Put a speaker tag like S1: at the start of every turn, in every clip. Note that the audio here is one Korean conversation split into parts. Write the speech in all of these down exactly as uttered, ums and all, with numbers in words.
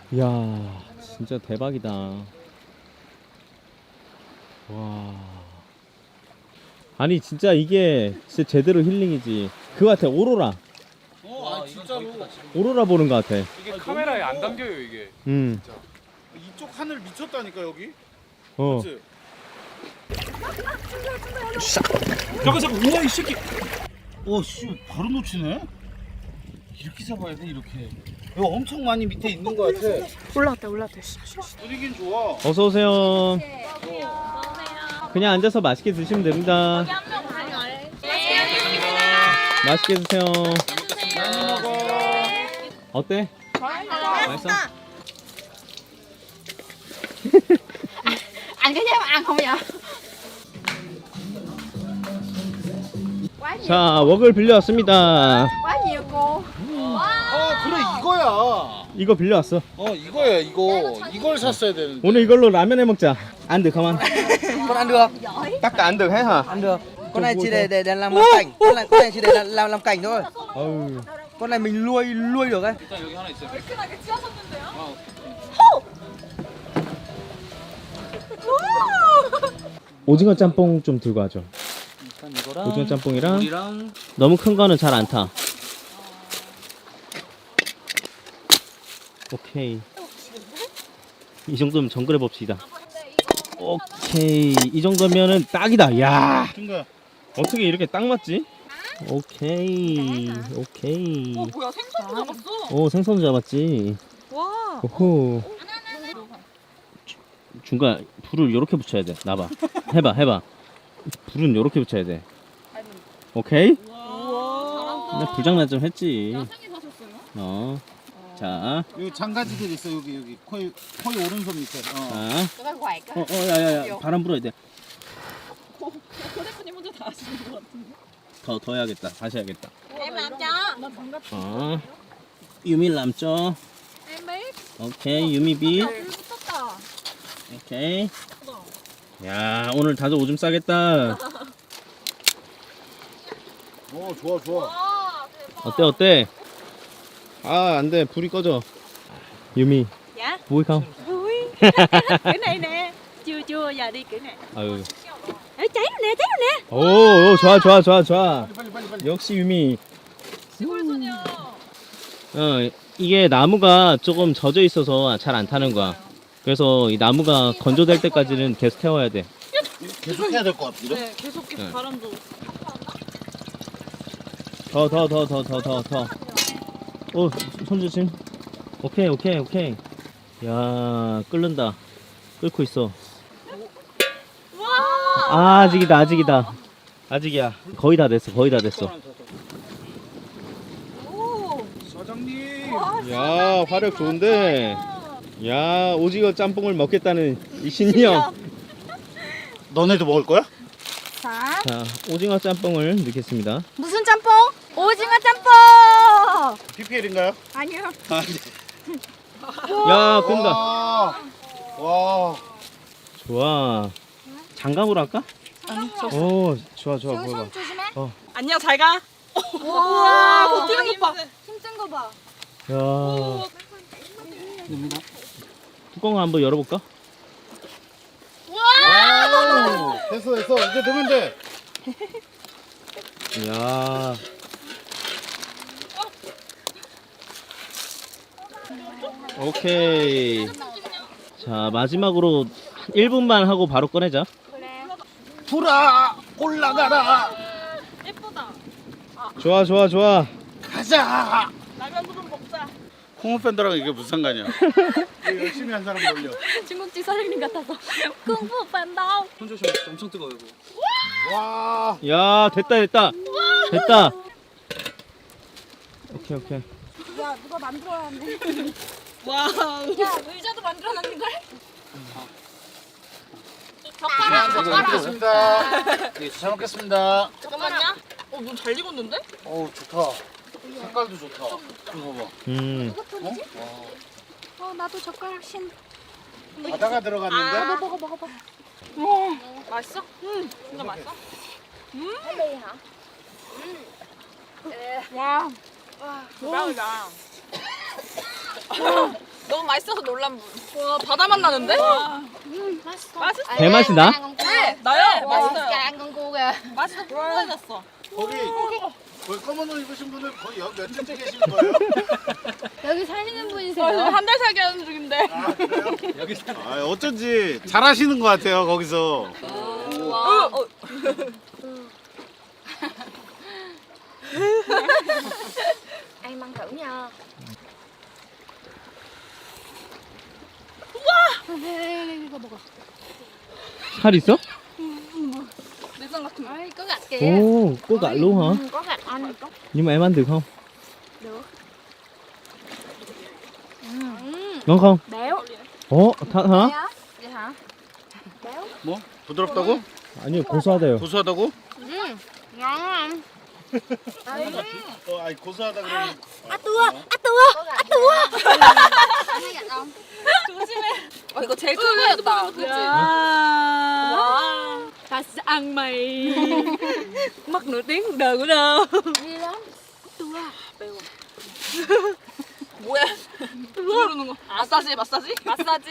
S1: 이야, 진짜 대박이다. 와. 아니, 진짜 이게 진짜 제대로 힐링이지. 그거 같아, 오로라.
S2: 어, 아 진짜로.
S1: 오로라 보는 것 같아.
S3: 이게 카메라에 안 담겨요 이게.
S1: 음.
S2: 이쪽 하늘 미쳤다니까 여기.
S1: 어.
S2: 그치?
S3: 잠깐 잠깐 우와 이 새끼.
S2: 오, 씨, 바로 놓치네. 이렇게 잡아야 돼, 이렇게. 이거 엄청 많이 밑에 있는 거 같아.
S4: 올라왔다 올라왔다.
S2: 분위기는 좋아.
S1: 어서 오세요. 그냥 앉아서 맛있게 드시면 됩니다. 맛있게 드세요.
S2: 많이 먹어.
S1: 어때? 맛있어?
S4: Anh có dám ăn không vậy?
S1: 자, 웍을 빌려왔습니다.
S4: Quá nhiều cô.
S2: 아, 그래, 이거야.
S1: 이거 빌려왔어.
S2: 어, 이거야, 이거. 이걸 샀어야 되는데.
S1: 오늘 이걸로 라면 해 먹자. 안 돼, 가만.
S5: Con ăn được,
S1: 딱 안 돼, 해 hả?
S5: ăn được. Con này chỉ để để, để làm làm cảnh, con này con này chỉ để làm làm, làm cảnh thôi.
S1: 어우.
S5: Con này mình nuôi nuôi được ấy.
S3: 일단 여기 하나 있어요.
S1: 오징어 짬뽕 좀 들고 와줘.
S5: 일단 이거랑
S1: 오징어 짬뽕이랑
S5: 물이랑
S1: 너무 큰 거는 잘 안 타. 오케이. 이 정도면 정글해 봅시다. 오케이. 이 정도면은 딱이다. 야.
S2: 중간.
S1: 어떻게 이렇게 딱 맞지? 오케이. 오케이.
S4: 어 뭐야 생선도 잡았어.
S1: 오, 생선 잡았지.
S4: 와.
S1: 오호. 주- 중간 불을 이렇게 붙여야 돼. 나봐. 해봐, 해봐. 불은 이렇게 붙여야 돼. 오케이?
S4: 우와.
S1: 나 불장난 좀 했지. 어. 자,
S2: 여기 장가지들 있어, 여기, 여기. 거의, 거의 오른손 밑에. 어.
S1: 자.
S4: Cái bác quạt á.
S1: 어, 어, 야야야. 바람 불어야 돼.
S4: 코 대표님 혼자 다 하시는 것 같은데.
S1: 더, 더 해야겠다. 다시 해야겠다.
S4: Em làm cho. 나 장갑.
S1: 어. 유미 남죠?
S4: Em biết.
S1: 오케이, 유미 비.
S4: 불 붙었다.
S1: 오케이. 야, 오늘 다들 오줌 싸겠다.
S2: 어, 좋아, 좋아.
S4: 와 대박.
S1: 어때, 어때? 아, 안 돼. 불이 꺼져. 유미,
S4: Dạ.
S1: vui không?
S4: Vui. Cái này nè. Chưa chưa giờ đi kiểu này.
S1: 아유.
S4: Ê cháy rồi nè, cháy rồi nè.
S1: 오, 오, 좋아, 좋아, 좋아, 좋아.
S2: 빨리, 빨리, 빨리.
S1: 역시 유미.
S4: 시골 소녀.
S1: 어, 이게 나무가 조금 젖어 있어서 잘 안 타는 거야. 그래서 이 나무가 건조될 때까지는 계속 태워야 돼.
S2: 계속 해야 될 것 같은데?
S4: 네, 계속 계속
S1: 네.
S4: 바람도.
S1: 더, 더, 더, 더, 더, 더, 더. 오, 손 조심. 오케이, 오케이, 오케이. 야, 끓는다. 끓고 있어. 아, 아직이다, 아직이다. 아직이야. 거의 다 됐어, 거의 다 됐어.
S4: 오.
S2: 사장님.
S1: 야, 화력 좋은데. 야, 오징어 짬뽕을 먹겠다는 이 신념.
S2: 너네도 먹을 거야?
S4: 자.
S1: 자, 오징어 짬뽕을 넣겠습니다.
S4: 무슨 짬뽕? 오징어 짬뽕.
S2: 피피엘인가요?
S4: 아니요.
S2: 아, 네.
S1: 야, 끈다.
S2: 와. 와.
S1: 좋아. 장갑으로 할까?
S4: 아니,
S1: 오, 좋아, 좋아, 보여봐.
S4: 조심해.
S1: 어.
S4: 안녕, 잘 가. 우와, 버티는 거 봐. 힘든 거 봐.
S1: 야. 뚜껑을 한번 열어볼까?
S2: 와우. 됐어, 됐어. 이제 넣으면 돼.
S1: 야. 오케이. 자, 마지막으로 일 분만 하고 바로 꺼내자.
S2: 불아, 올라가라.
S4: 예쁘다.
S1: 좋아, 좋아, 좋아.
S2: 가자.
S4: 라면 좀 먹자.
S2: 홍어 팬더랑 이게 무슨 상관이야? 이거 열심히 한 사람 놀려.
S4: 중국집 사장님 같아서. 쿵푸 팬더.
S3: 손 조심. 엄청 뜨거워 이거.
S2: 와.
S1: 야, 됐다, 됐다. 됐다. 오케이, 오케이.
S4: 야, 누가 만들어놨네. 와우. 야, 의자도 만들어놨는 걸?
S2: 잘 먹겠습니다. 네, 잘 먹겠습니다.
S4: 잠깐만요. 어, 눈 잘 익었는데?
S2: 어우, 좋다. 색깔도 좋다. 이거 봐봐.
S1: 음.
S2: 어?
S4: 어, 나도 젓가락 신.
S2: 와. 바다가 들어갔는데?
S4: 아, 먹어, 먹어, 먹어. 와, 맛있어? 응, 진짜 맛있어? 음. hả? 와, 대박이다. 너무 맛있어서 놀란 분. 와 바다 맛 나는데? 맛있어. 맛있어.
S1: 배 맛이 나?
S4: 네 나요. 맛있어요.
S6: ăn con cua kìa.
S4: 맛이 더 풍부해졌어.
S2: 거기 거기 검은 옷 입으신 분은 거의 여기 몇 년째 계시는 거예요?
S6: 여기 사시는
S4: 저
S6: 분이세요?
S4: 한 달 살기 하는 중인데.
S2: 아 그래요? 여기 아 어쩐지 잘하시는 것 같아요 거기서.
S4: 와. 어,
S6: Ăn măng thử nha. 이거 먹어.
S1: 살 있어?
S4: 내장 같은 거.
S6: Ôi, có gạch kìa.
S1: 오, có gạch luôn hả?
S6: Ừ, có gạch anh.
S1: Nhưng mà em ăn được không?
S6: Được.
S1: Ngon không?
S6: Béo.
S1: 어, 다, hả?
S6: Vậy hả? Béo.
S2: 뭐 부드럽다고?
S1: 아니요, 고소하대요.
S2: 고소하다고?
S6: Ừ. Ngon á anh.
S2: 어 아니 고소하다 그러면.
S6: À tua, à tua, à tua. Anh thấy gạch không?
S4: 조심해. 어 이거 제일 큰 거였다. 그치? 와.
S6: Dash ăn mày. Mất nửa tiếng cuộc đời của đâu. Đi lắm. Tua. Béo.
S4: 뭐야? 누르는 거. 마사지 마사지? 마사지.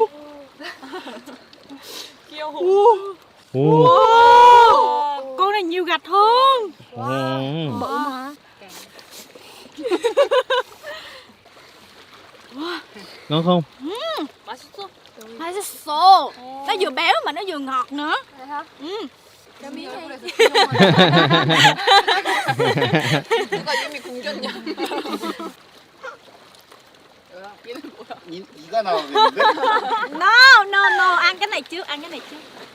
S4: 귀여워.
S1: 오.
S6: Con này nhiều gạch hơn.
S1: 오.
S6: Bự mà.
S1: Ngon không?
S4: 맛있어.
S6: 맛있어. Nó vừa béo mà nó vừa ngọt nữa. Vậy hả? Ừ. Cho miếng đi.
S4: 누가 이미 굶겼냐? 얘는 뭐야?
S2: 이, 이가 나오겠는데?
S6: No, no, no. Ăn cái này trước, ăn cái này trước.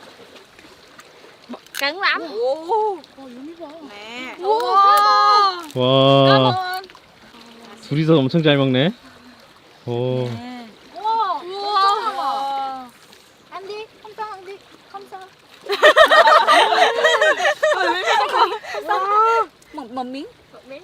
S6: Cứng lắm.
S4: 오.
S6: Nè.
S4: 우와.
S1: 와, 둘이서 엄청 잘 먹네. 오.
S6: Wow.
S4: 우와.
S6: Ăn đi, không sao ăn đi, không sao. Wow. Một, một miếng. Một miếng.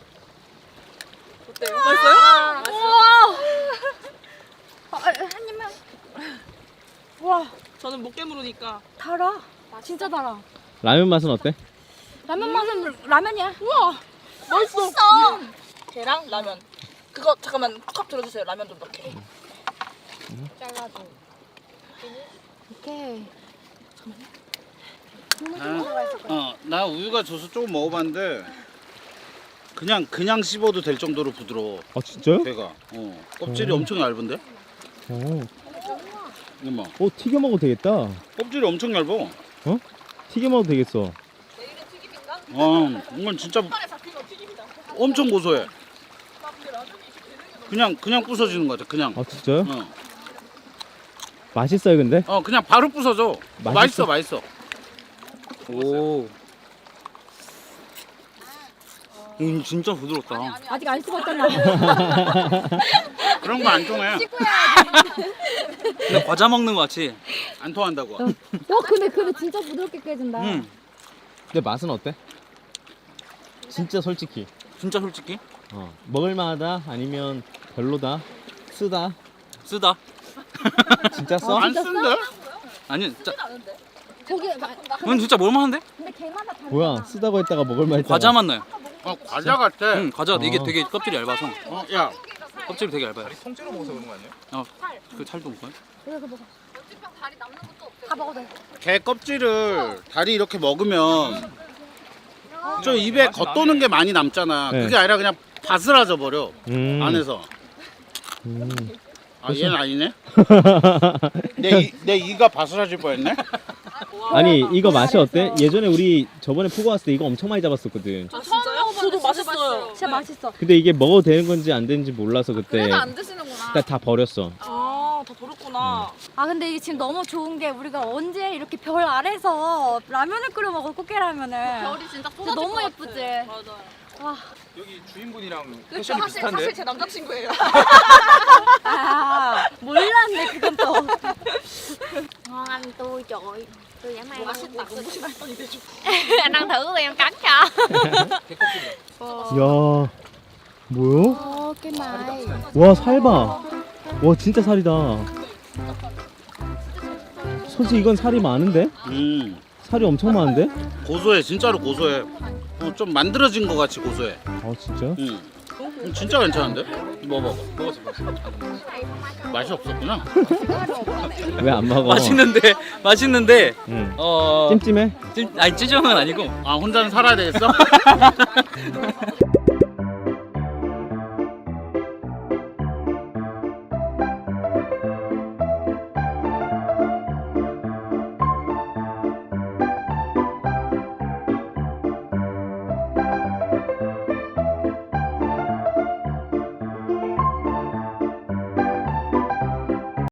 S4: 어때요? 맛있어요?
S6: 우와. 어, 한 입만.
S4: 와. 저는 못 깨물으니까.
S6: 달아. 진짜 달아.
S1: 라면 맛은 어때?
S6: 라면 맛은 라면이야.
S4: 우와. 맛있어. 계랑 라면. 그거 잠깐만 컵 들어주세요. 라면 좀 넣게.
S6: 잘라줘. 오케이.
S2: 어나 우유가 져서 조금 먹어봤는데 그냥 그냥 씹어도 될 정도로 부드러워.
S1: 아, 진짜요?
S2: 배가. 어 껍질이
S1: 오.
S2: 엄청 얇은데?
S1: 오.
S2: 이거 봐.
S1: 오, 튀겨 먹어도 되겠다.
S2: 껍질이 엄청 얇아.
S1: 튀겨 먹어도 되겠어.
S4: 내일은 튀김인가?
S2: 어 이건 진짜
S4: 팔에 잡힌 거 튀김이다.
S2: 엄청 고소해. 그냥 그냥 부서지는 거 같아. 그냥.
S1: 아, 진짜요?
S2: 어.
S1: 맛있어요, 근데?
S2: 어 그냥 바로 부서져.
S1: 맛있어?
S2: 맛있어 맛있어. 오. 음 진짜 부드럽다.
S6: 아직 안 씹었잖아.
S2: 그런 거 안 통해.
S3: 근데 과자 먹는 거 같이.
S2: 안 통한다고.
S6: 어 근데 근데 진짜 부드럽게 깨진다.
S3: 응.
S1: 근데 맛은 어때? 진짜 솔직히.
S3: 진짜 솔직히
S1: 어. 먹을만하다? 아니면 별로다? 쓰다?
S3: 쓰다.
S1: 진짜 써?
S2: 안 쓴데?
S3: 아니, 진짜.
S6: 고기 마,
S3: 이건 진짜 뭘만한데?
S6: 근데 걔마다 다르잖아.
S1: 뭐야, 쓰다고 했다가 먹을만했잖아.
S3: 과자 맛 나요.
S2: 어 과자 같아.
S3: 응, 과자 이게
S1: 어.
S3: 되게 껍질이 얇아서.
S2: 어 야.
S3: 껍질이 되게 얇아요.
S7: 통째로 먹어서 그런 거 아니에요?
S3: 어, 그 살도 먹어요?
S6: 그래서 먹어. 다 먹어도 돼.
S2: 게 껍질을 다리 이렇게 먹으면 좀 입에 겉도는 게 많이 남잖아.
S1: 네.
S2: 그게 아니라 그냥 바스라져 버려.
S1: 음.
S2: 안에서.
S1: 음.
S2: 아 얘는 아니네. 내, 이, 내 이가 바스라질 뻔했네.
S1: 아니, 이거 맛이 어때? 예전에 우리 저번에 포고 왔을 때 이거 엄청 많이 잡았었거든.
S4: 아 진짜요? 저도 맛있어요.
S6: 진짜 맛있어.
S1: 근데 이게 먹어도 되는 건지 안 되는지 몰라서 그때
S4: 그래도 안 드시는구나.
S1: 다, 다 버렸어.
S4: 아, 다 버렸구나.
S6: 아 근데 이게 지금 너무 좋은 게 우리가 언제 이렇게 별 아래서 라면을 끓여 먹어 꽃게라면을.
S4: 별이 진짜
S6: 진짜
S4: 쏟아질
S6: 너무
S4: 것
S6: 예쁘지.
S4: 같아. 맞아요.
S6: 와.
S7: 여기 주인분이랑
S4: 그쵸,
S7: 패션이
S4: 사실,
S7: 비슷한데?
S4: 사실 제 남자친구예요.
S6: 아 몰랐네 그건 또. Ngon anh tôi trời ơi. Tôi dã man.
S4: 맛있다. 너무 맛있더니 대충.
S6: Anh ăn thử em cắn cho.
S1: 야, 뭐야?
S6: Ô cái mày.
S1: 와, 살 봐. 와, 진짜 살이다. 솔직히 이건 살이 많은데?
S2: 음
S1: 살이 엄청 많은데?
S2: 고소해 진짜로 고소해. 어, 좀 만들어진 것 같이 고소해.
S1: 아, 진짜?
S2: 음.
S4: 너무
S2: 음, 진짜 괜찮은데? 먹어봐. 먹었어, 먹었어. 맛이 없었구나.
S1: 왜 안 먹어?
S3: 맛있는데 맛있는데
S1: 응.
S3: 어
S1: 찜찜해?
S3: 찜 아니 찌정은 아니고
S2: 아, 혼자는 살아야 되겠어?